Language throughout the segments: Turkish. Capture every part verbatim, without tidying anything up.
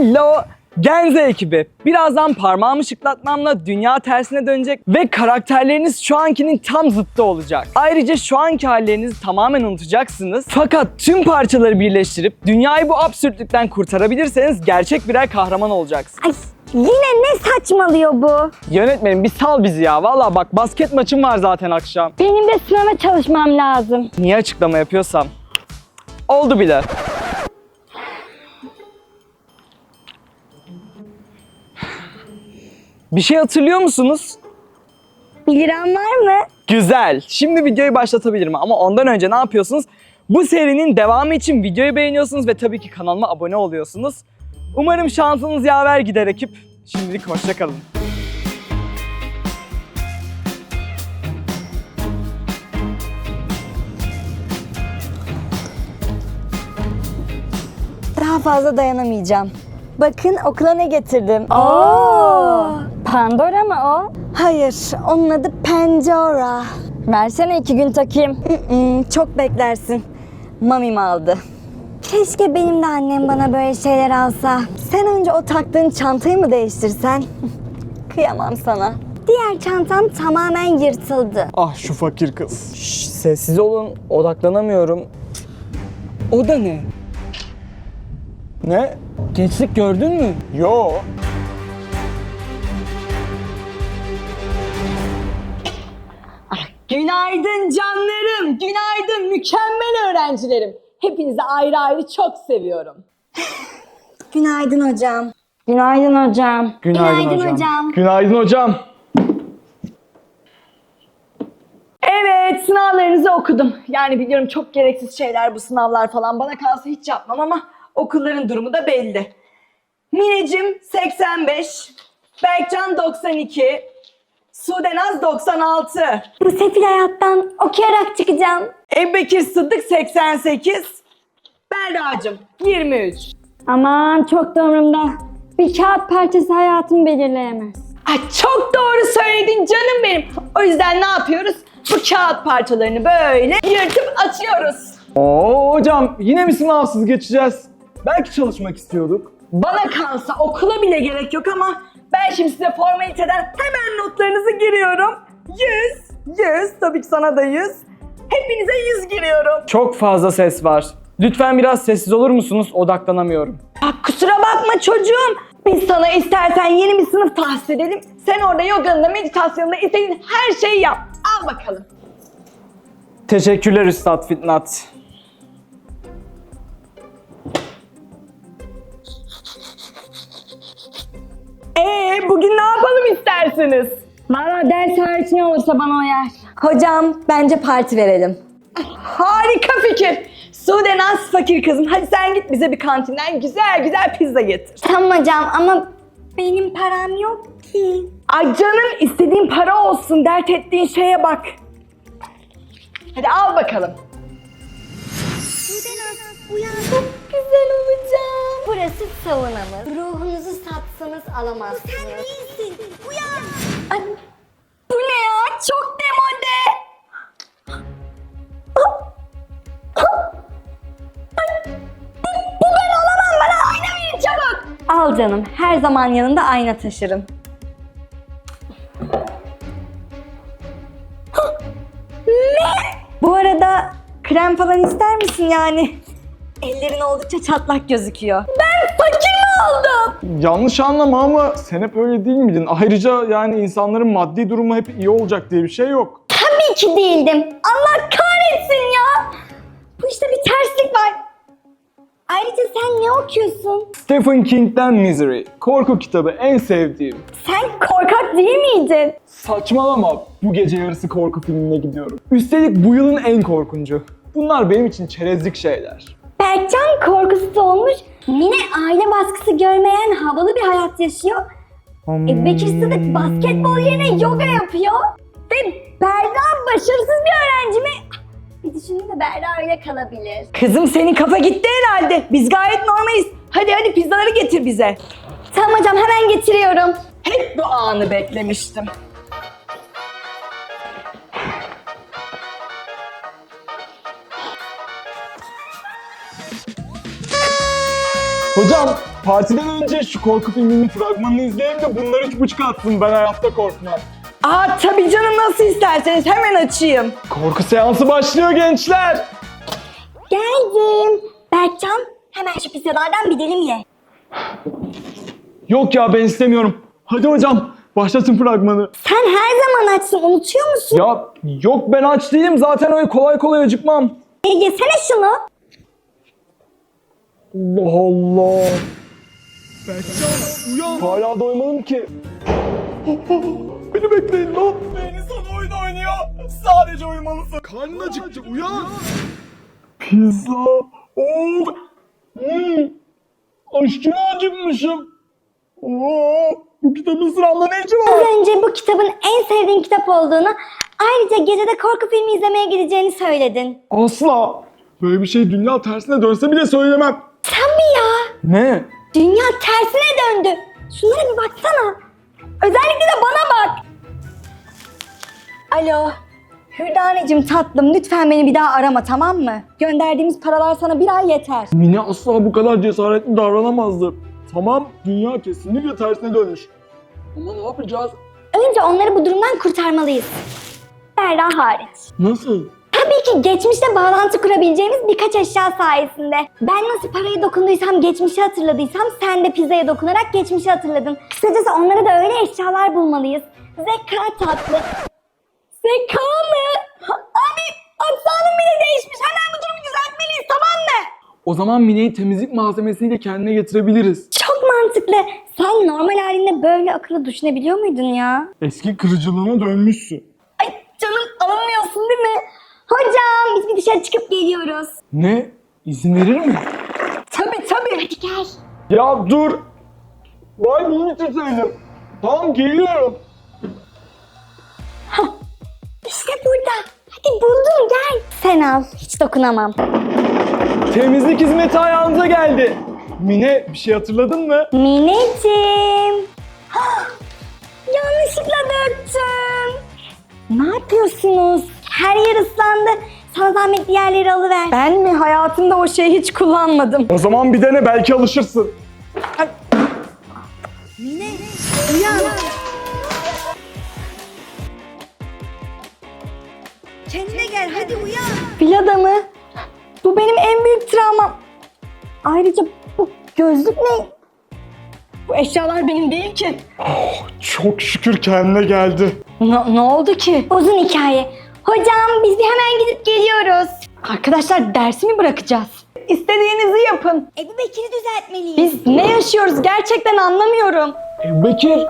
Hello Genze ekibi. Birazdan parmağımı şıklatmamla dünya tersine dönecek ve karakterleriniz şu ankinin tam zıttı olacak. Ayrıca şu anki hallerinizi tamamen unutacaksınız. Fakat tüm parçaları birleştirip dünyayı bu absürtlükten kurtarabilirseniz gerçek birer kahraman olacaksınız. Ay, yine ne saçmalıyor bu? Yönetmenim bir sal bizi ya. Vallahi bak basket maçım var zaten akşam. Benim de sınava çalışmam lazım. Niye açıklama yapıyorsam? Oldu bile. Bir şey hatırlıyor musunuz? bir liram var mı? Güzel. Şimdi videoyu başlatabilirim ama ondan önce ne yapıyorsunuz? Bu serinin devamı için videoyu beğeniyorsunuz ve tabii ki kanalıma abone oluyorsunuz. Umarım şansınız yaver gider ekip. Şimdilik hoşça kalın. Daha fazla dayanamayacağım. Bakın okula ne getirdim. Oo! Pandora mı o? Hayır, onun adı Pandora. Versene iki gün takayım. Mm-mm, çok beklersin. Mamim aldı. Keşke benim de annem bana böyle şeyler alsa. Sen önce o taktığın çantayı mı değiştirsen? Kıyamam sana. Diğer çantam tamamen yırtıldı. Ah şu fakir kız. Şş, sessiz olun. Odaklanamıyorum. O da ne? Ne? Gençlik gördün mü? Yo. Günaydın canlarım, günaydın mükemmel öğrencilerim. Hepinizi ayrı ayrı çok seviyorum. Günaydın hocam. Günaydın hocam. Günaydın hocam. Günaydın hocam. Evet, sınavlarınızı okudum. Yani biliyorum çok gereksiz şeyler bu sınavlar falan. Bana kalsa hiç yapmam ama okulların durumu da belli. Mineciğim seksen beş, Berkcan doksan iki, Sudenaz doksan altı, Bu sefil hayattan okuyarak çıkacağım. Ebubekir Sıddık seksen sekiz, Berra'cığım yirmi üç. Aman çok da umurumda. Bir kağıt parçası hayatımı belirleyemez. Ay çok doğru söyledin canım benim. O yüzden ne yapıyoruz? Bu kağıt parçalarını böyle yırtıp atıyoruz. Oo hocam yine mi sınavsız geçeceğiz? Belki çalışmak istiyorduk. Bana kalsa okula bile gerek yok ama ben şimdi size formaliteden hemen notlarınızı giriyorum. yüz, yüz, tabii ki sana da yüz. Hepinize yüz giriyorum. Çok fazla ses var. Lütfen biraz sessiz olur musunuz? Odaklanamıyorum. Bak kusura bakma çocuğum. Biz sana istersen yeni bir sınıf tahsis edelim. Sen orada yoganında, meditasyonunda istediğin her şeyi yap. Al bakalım. Teşekkürler Üstad Fitnat. Ee bugün ne yapalım istersiniz? Valla ders hariç ne olursa bana uyar. Hocam bence parti verelim. Harika fikir. Sudenaz fakir kızım. Hadi sen git bize bir kantinden güzel güzel pizza getir. Tamam hocam ama benim param yok ki. Ay canım istediğin para olsun. Dert ettiğin şeye bak. Hadi al bakalım. Uyan çok güzel olacağım. Burası savunamız. Ruhunuzu satsanız alamazsınız. Sen değilsin. Uyan. Ay, bu ne ya? Çok demode. Bu ben olamam. Bana ayna verin çabuk. Al canım. Her zaman yanında ayna taşırım. Ne? Bu arada krem falan ister misin yani? Ellerin oldukça çatlak gözüküyor. Ben fakir mi oldum? Yanlış anlama ama sen hep öyle değil miydin? Ayrıca yani insanların maddi durumu hep iyi olacak diye bir şey yok. Tabii ki değildim. Allah kahretsin ya. Bu işte bir terslik var. Ayrıca sen ne okuyorsun? Stephen King'den Misery. Korku kitabı en sevdiğim. Sen korkak değil miydin? Saçmalama. Bu gece yarısı korku filmine gidiyorum. Üstelik bu yılın en korkuncu. Bunlar benim için çerezlik şeyler. Berkcan korkusuz olmuş. Mine aile baskısı görmeyen havalı bir hayat yaşıyor. E, Bekir Sıdık basketbol yerine yoga yapıyor. Ve Berra başarısız bir öğrenci mi? Bir düşünün de Berra öyle kalabilir. Kızım senin kafa gitti herhalde. Biz gayet normaliz. Hadi hadi pizzaları getir bize. Tamam hocam hemen getiriyorum. Hep bu anı beklemiştim. Hocam partiden önce şu korku filminin fragmanını izleyelim de bunlar üç buçuk atsın, ben hayatta korkmam. Aa tabii canım, nasıl isterseniz hemen açayım. Korku seansı başlıyor gençler. Geldim. Berkcan, hemen şu pizzalardan bir dilim ye. Yok ya, ben istemiyorum. Hadi hocam başlatın fragmanı. Sen her zaman açsın, unutuyor musun? Ya yok, ben aç değilim zaten, öyle kolay kolay acıkmam. E, yesene şunu. Allah Allah. Berkcan uyan. Hala doymadım ki. Beni bekleyin lan. Beyni sana oyun oynuyor. Sadece uyumalısın. Karnın acıktı, uyan. Pizza. Oh. Hmm. Aşırı acıkmışım. Oo. Bu kitabın sıramda ne işi var? Az önce bu kitabın en sevdiğin kitap olduğunu, ayrıca gecede korku filmi izlemeye gideceğini söyledin. Asla. Böyle bir şey dünya tersine dönse bile söylemem. Sen mi ya? Ne? Dünya tersine döndü. Şunlara bir baksana. Özellikle de bana bak. Alo. Hürdaneciğim tatlım, lütfen beni bir daha arama, tamam mı? Gönderdiğimiz paralar sana bir ay yeter. Mine asla bu kadar cesaretli davranamazdı. Tamam, dünya kesinlikle tersine dönmüş. Ama ne yapacağız? Önce onları bu durumdan kurtarmalıyız. Berra hariç. Nasıl? Tabii ki geçmişte bağlantı kurabileceğimiz birkaç eşya sayesinde. Ben nasıl paraya dokunduysam, geçmişi hatırladıysam, sen de pizzaya dokunarak geçmişi hatırladın. Kısacası onlara da öyle eşyalar bulmalıyız. Zeka tatlı. Zeka mı? Abi aksanım bile değişmiş. Hemen bu durumu düzeltmeliyiz, tamam mı? O zaman Mine'yi temizlik malzemesiyle kendine getirebiliriz. Çok mantıklı. Sen normal halinde böyle akıllı düşünebiliyor muydun ya? Eski kırıcılığına dönmüşsün. Ay canım, alınmıyorsun değil mi? Hocam biz bir dışarı çıkıp geliyoruz. Ne? İzin verir mi? Tabii tabii. Hadi gel. Ya dur. Vay bunu bitirseydim. Tamam, geliyorum. İşte burada. Hadi buldum, gel. Sen al. Hiç dokunamam. Temizlik hizmeti ayağınıza geldi. Mine, bir şey hatırladın mı? Mineciğim. Hah! Yanlışlıkla döktüm. Ne yapıyorsunuz? Her yer ıslandı. Sana zahmet diğerleri alıver. Ben mi? Hayatımda o şeyi hiç kullanmadım. O zaman bir dene, belki alışırsın. Kendine gel, hadi uyan. Fil adamı. Bu benim en büyük travmam. Ayrıca bu gözlük ne? Bu eşyalar benim değil ki. Çok şükür kendine geldi. Ne, ne oldu ki? Uzun hikaye. Hocam biz bir hemen gidip geliyoruz. Arkadaşlar dersi mi bırakacağız? İstediğinizi yapın. Ebu Bekir'i düzeltmeliyiz. Biz ne yaşıyoruz gerçekten anlamıyorum. Bekir.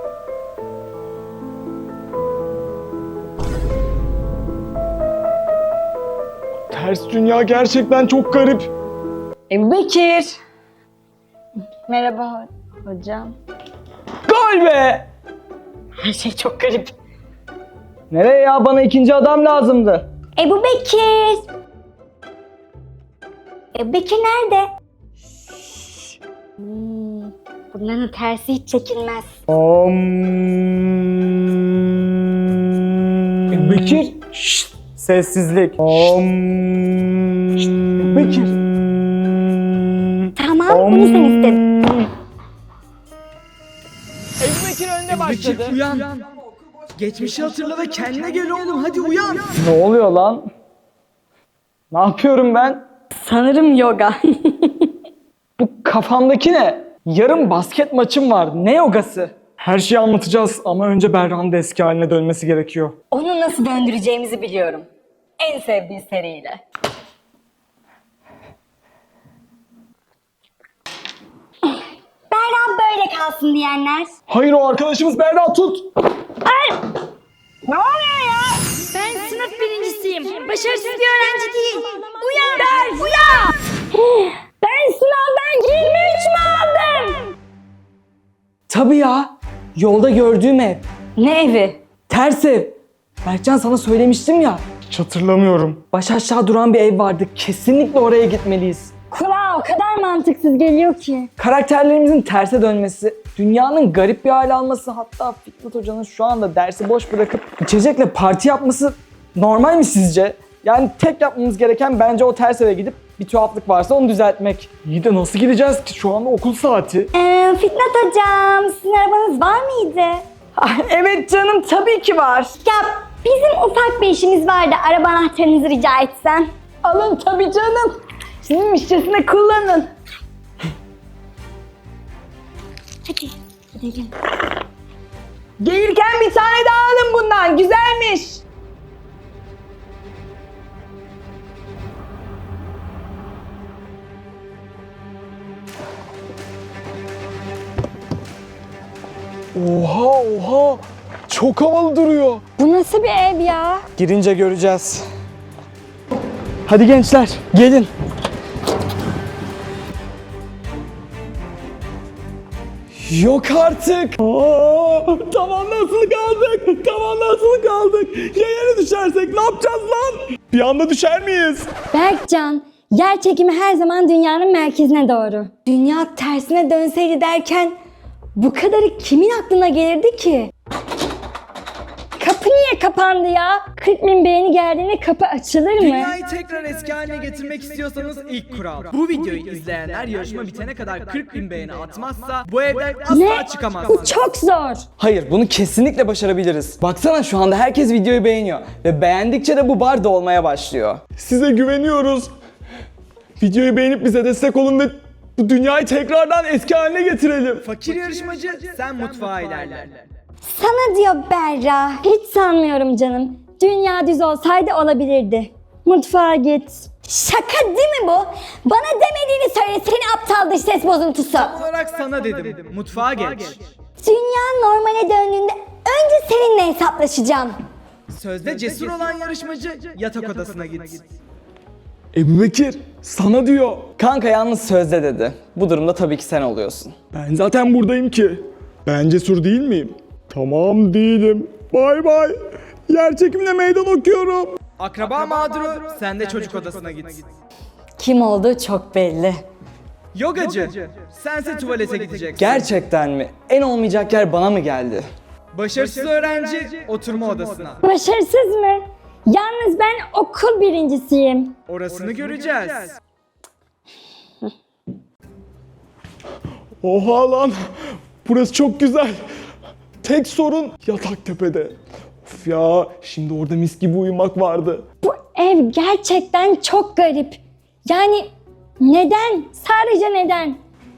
Ters dünya gerçekten çok garip. Ebu Bekir. Merhaba hocam. Gol be! Her şey çok garip. Nereye ya? Bana ikinci adam lazımdı. Ebu Bekir. Ebu Bekir nerede? Hmm, bunların tersi hiç çekilmez. Bekir. Şşt, sessizlik. Bekir. Tamam, bunu sen istedin. Ebu Bekir önde başladı. Uyan. Geçmişi hatırla ve kendine gel oğlum, hadi uyan. Ne oluyor lan? Ne yapıyorum ben? Sanırım yoga. Bu kafamdaki ne? Yarın basket maçım var. Ne yogası? Her şeyi anlatacağız ama önce Berra'nın da eski haline dönmesi gerekiyor. Onu nasıl döndüreceğimizi biliyorum. En sevdiği seriyle. Berra böyle kalsın diyenler. Hayır, o arkadaşımız, Berra tut. Ne oluyor ya? Ben sınıf birincisiyim. Başarısız bir öğrenci değil. Uyan ders, uyan. Ben sınavdan yirmi üç mü aldım? Tabii ya. Yolda gördüğüm ev. Ne evi? Ters ev. Berkcan, sana söylemiştim ya. Hiç hatırlamıyorum. Baş aşağı duran bir ev vardı. Kesinlikle oraya gitmeliyiz. Kulağa o kadar mantıksız geliyor ki. Karakterlerimizin terse dönmesi, dünyanın garip bir hale alması, hatta Fikret Hoca'nın şu anda dersi boş bırakıp içecekle parti yapması normal mi sizce? Yani tek yapmamız gereken bence o ters eve gidip Bir tuhaflık varsa onu düzeltmek. İyi de nasıl gideceğiz ki? Şu anda okul saati. Ee, Fitnat hocam, sizin arabanız var mıydı? Ah, evet canım, tabii ki var. Ya bizim ufak bir işimiz vardı. Araba anahtarınızı rica etsem. Alın tabii canım. Sizin müşterisine kullanın. Hadi gidelim. Gelirken bir tane daha alın bundan. Güzelmiş. Oha oha. Çok havalı duruyor. Bu nasıl bir ev ya? Girince göreceğiz. Hadi gençler, gelin. Yok artık. Aa, tavanla asılı kaldık. Tavanla asılı kaldık. Ya yere düşersek ne yapacağız lan? Bir anda düşer miyiz? Berkcan, yer çekimi her zaman dünyanın merkezine doğru. Dünya tersine dönseydi derken bu kadarı kimin aklına gelirdi ki? Kapı niye kapandı ya? kırk bin beğeni geldiğinde kapı açılır mı? Dünyayı tekrar eski haline getirmek istiyorsanız ilk kural. Bu videoyu izleyenler yarışma bitene kadar kırk bin beğeni atmazsa bu evden asla Ne? Bu çıkamazsınız. çok zor. Hayır, bunu kesinlikle başarabiliriz. Baksana şu anda herkes videoyu beğeniyor. Ve beğendikçe de bu bar dolmaya başlıyor. Size güveniyoruz. Videoyu beğenip bize destek olun ve bu dünyayı tekrardan eski haline getirelim. Fakir yarışmacı sen mutfağa ilerle. Sana diyor Berra. Hiç sanmıyorum canım. Dünya düz olsaydı olabilirdi. Mutfağa git. Şaka değil mi bu? Bana demediğini söyle seni aptal dış ses bozuntusu. Olarak sana dedim. Mutfağa geç. Dünya normale döndüğünde önce seninle hesaplaşacağım. Sözde cesur olan yarışmacı yatak odasına git. Ebu Bekir sana diyor. Kanka yalnız sözde dedi. Bu durumda tabii ki sen oluyorsun. Ben zaten buradayım ki. Ben cesur değil miyim? Tamam değilim. Bay bay. Yer çekimine meydan okuyorum. Akraba mağduru sen de çocuk odasına git. Kim olduğu çok belli. Yogacı sense tuvalete gideceksin. Gerçekten mi? En olmayacak yer bana mı geldi? Başarısız öğrenci oturma odasına. Başarısız mı? Yalnız ben okul birincisiyim. Orasını göreceğiz. Oha lan. Burası çok güzel. Tek sorun yatak tepede. Of ya, şimdi orada mis gibi uyumak vardı. Bu ev gerçekten çok garip. Yani neden? Sadece neden?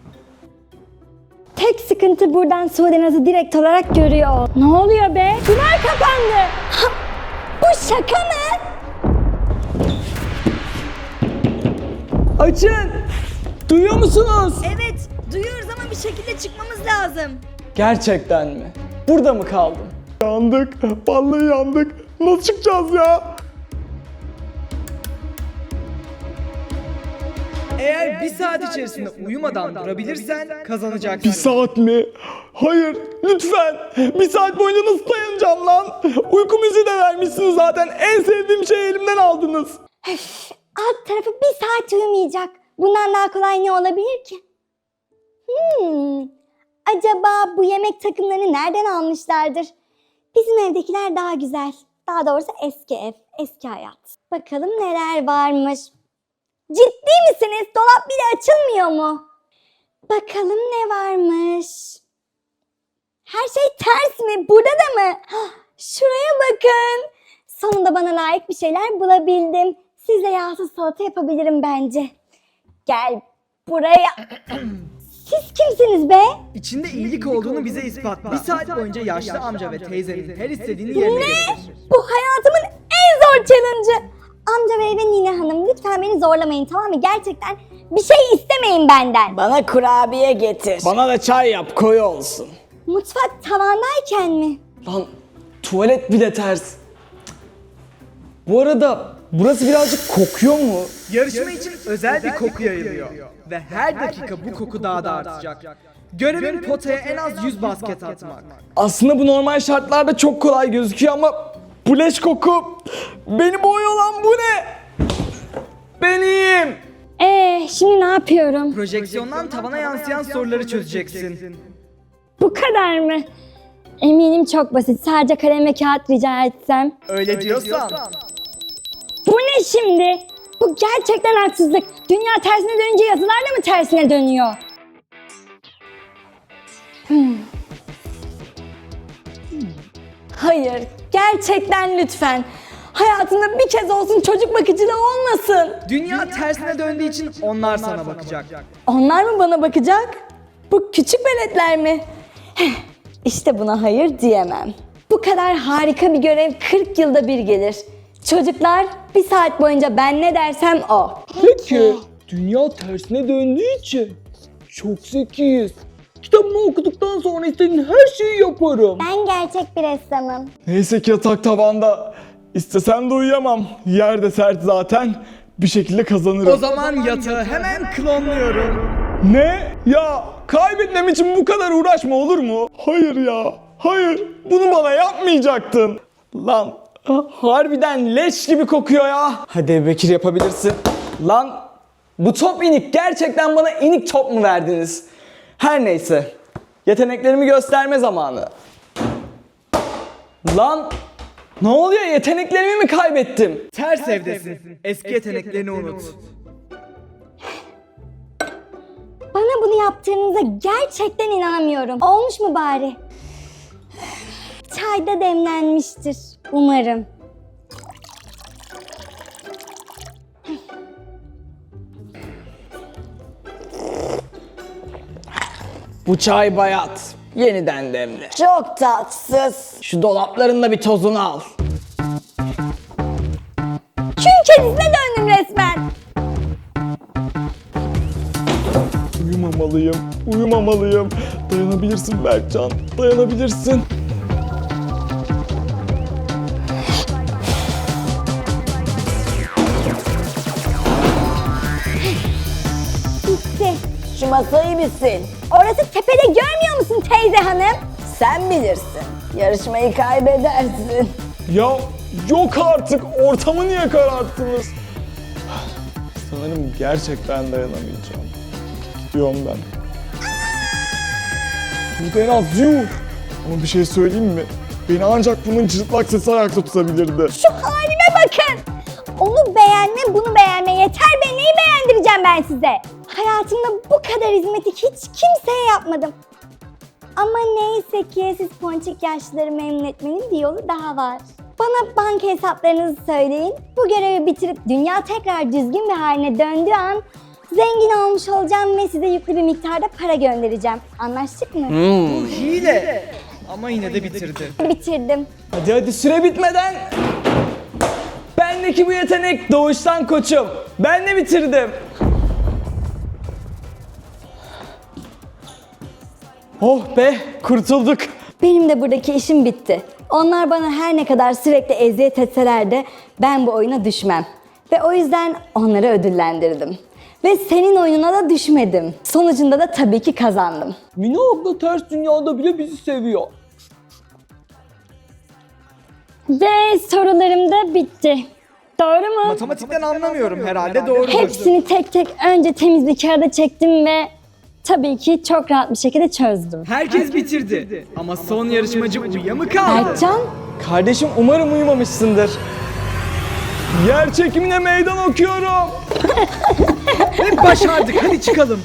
Tek sıkıntı buradan Sudenaz'ı direkt olarak görüyor ol. Ne oluyor be? Duvar kapandı. Bu şaka mı? Açın! Duyuyor musunuz? Evet, duyuyoruz ama bir şekilde çıkmamız lazım. Gerçekten mi? Burada mı kaldım? Yandık. Vallahi yandık. Nasıl çıkacağız ya? Eğer bir saat içerisinde uyumadan durabilirsen Bir kazanacaksın. saat mi? Hayır, lütfen. Bir saat boyunca nasıl dayanacağım lan? Uyku müziği de vermişsiniz zaten. En sevdiğim şeyi elimden aldınız. Alt tarafı bir saat uyumayacak. Bundan daha kolay ne olabilir ki? Hmm. Acaba bu yemek takımlarını nereden almışlardır? Bizim evdekiler daha güzel. Daha doğrusu eski ev, eski hayat. Bakalım neler varmış. Ciddi misiniz? Dolap bile açılmıyor mu? Bakalım ne varmış. Her şey ters mi? Burada da mı? Hah, şuraya bakın. Sonunda bana layık bir şeyler bulabildim. Sizle yağsız salata yapabilirim bence. Gel buraya. Siz kimsiniz be? İçinde iyilik olduğunu bize ispatla. Bir saat boyunca yaşlı amca ve teyzenin her istediğini yerine getir. Bu hayatımın en zor challenge'ı. Amca bey ve Nine Hanım lütfen beni zorlamayın, tamam mı? Gerçekten bir şey istemeyin benden. Bana kurabiye getir. Bana da çay yap, koyu olsun. Mutfak tavandayken mi? Lan tuvalet bile ters. Bu arada burası birazcık kokuyor mu? Yarışma için özel bir koku yayılıyor. Ve her dakika bu koku daha da artacak. Görevin potaya en az yüz basket atmak. Aslında bu normal şartlarda çok kolay gözüküyor ama bu leş koku. Beni boğuyor lan, bu ne? Ben iyiyim. Ee, şimdi ne yapıyorum? Projeksiyondan tavana yansıyan soruları çözeceksin. Bu kadar mı? Eminim çok basit. Sadece kalem ve kağıt rica etsem. Öyle diyorsan. Bu ne şimdi? Bu Bu gerçekten haksızlık. Dünya tersine dönünce yazılar da mı tersine dönüyor? Hmm. Hayır, gerçekten lütfen. Hayatında bir kez olsun çocuk bakıcılığı olmasın. Dünya tersine döndüğü için onlar sana bakacak. Onlar mı bana bakacak? Bu küçük veletler mi? Heh, İşte buna hayır diyemem. Bu kadar harika bir görev kırk yılda bir gelir. Çocuklar bir saat boyunca ben ne dersem o. Peki, dünya tersine döndüğü için çok zekiyiz. Kitabımı okuduktan sonra istediğin her şeyi yaparım. Ben gerçek bir ressamım. Neyse ki yatak tavanda. İstesem de uyuyamam. Yer de sert zaten. Bir şekilde kazanırım. O zaman yatağı hemen klonluyorum. Ne? Ya kaybetmem için bu kadar uğraşma olur mu? Hayır ya. Hayır. Bunu bana yapmayacaktın. Lan harbiden leş gibi kokuyor ya. Hadi Bekir yapabilirsin. Lan bu top inik. Gerçekten bana inik top mu verdiniz? Her neyse. Yeteneklerimi gösterme zamanı. Lan ne oluyor? Yeteneklerimi mi kaybettim? Ters evdesin. Eski yeteneklerini unut. Bana bunu yaptığınıza gerçekten inanamıyorum. Olmuş mu bari? Çay da demlenmiştir umarım. Bu çay bayat. Yeniden demle. Çok tatsız. Şu dolapların da bir tozunu al. Kül kedisine döndüm resmen. Uyumamalıyım. Uyumamalıyım. Dayanabilirsin Berkcan. Dayanabilirsin. Bitti. Şu masayı bilsin. Orası tepede görmüyor musun teyze hanım? Sen bilirsin. Yarışmayı kaybedersin. Ya yok artık. Ortamı niye kararttınız? Sanırım gerçekten dayanamayacağım. Gidiyorum ben. Burada en az yuh. Ama bir şey söyleyeyim mi? Beni ancak bunun cırtlak sesi ayakta tutabilirdi. Şu halime bakın. Onu beğenme, bunu beğenme. Yeter be, neyi beğendireceğim ben size? Hayatımda bu kadar hizmeti hiç kimseye yapmadım. Ama neyse ki siz ponçik yaşlıları memnun etmenin bir yolu daha var. Bana banka hesaplarınızı söyleyin. Bu görevi bitirip dünya tekrar düzgün bir haline döndüğü an zengin olmuş olacağım ve size yüklü bir miktarda para göndereceğim. Anlaştık mı? Bu hile. Ama yine de bitirdi. Bitirdim. Hadi hadi süre bitmeden. Bendeki bu yetenek doğuştan koçum. Ben de bitirdim. Oh be, kurtulduk. Benim de buradaki işim bitti. Onlar bana her ne kadar sürekli eziyet etseler de ben bu oyuna düşmem. Ve o yüzden onları ödüllendirdim. Ve senin oyununa da düşmedim. Sonucunda da tabii ki kazandım. Mine abla ters dünyada bile bizi seviyor. Ve sorularım da bitti. Doğru mu? Matematikten anlamıyorum herhalde doğrudur. Hepsini tek tek önce temiz bir kağıda çektim ve tabii ki çok rahat bir şekilde çözdüm. Herkes bitirdi. Ama son yarışmacı Uya mı kaldı? Berkcan, Kardeşim umarım uyumamışsındır. Yer çekimine meydan okuyorum. Ve başardık. Hadi çıkalım.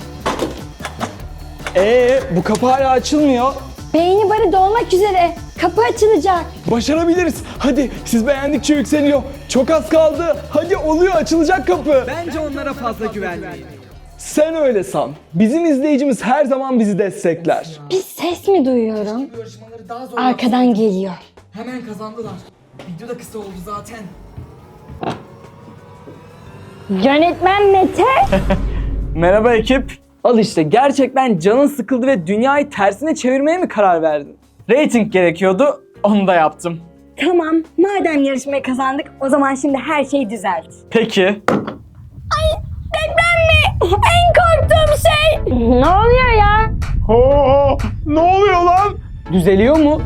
Ee, bu kapı hala açılmıyor. beyni barı dolmak üzere. Kapı açılacak. Başarabiliriz. Hadi siz beğendikçe yükseliyor. Çok az kaldı. Hadi oluyor, açılacak kapı. Bence onlara fazla güvenmeyin. Sen öyle san. Bizim izleyicimiz her zaman bizi destekler. Bir ses mi duyuyorum? Arkadan geliyor. Hemen kazandılar. Video da kısa oldu zaten. Yönetmen Mete. Merhaba ekip. Al işte gerçekten canın sıkıldı ve dünyayı tersine çevirmeye mi karar verdin? Rating gerekiyordu, onu da yaptım. Tamam, madem yarışmayı kazandık o zaman şimdi her şeyi düzelt. Peki. Deprem mi? En korktuğum şey. Ne oluyor ya? Aa, ne oluyor lan? Düzeliyor mu?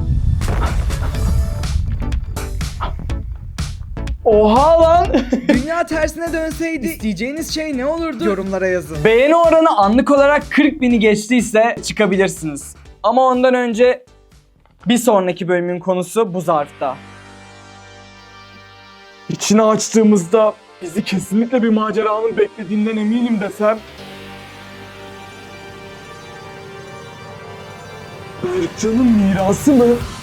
Oha lan! Dünya tersine dönseydi isteyeceğiniz şey ne olurdu? Yorumlara yazın. Beğeni oranı anlık olarak kırk bini geçtiyse çıkabilirsiniz. Ama ondan önce bir sonraki bölümün konusu bu zarfta. İçini açtığımızda bizi kesinlikle bir maceranın beklediğinden eminim desem. Berkcan'ın mirası mı?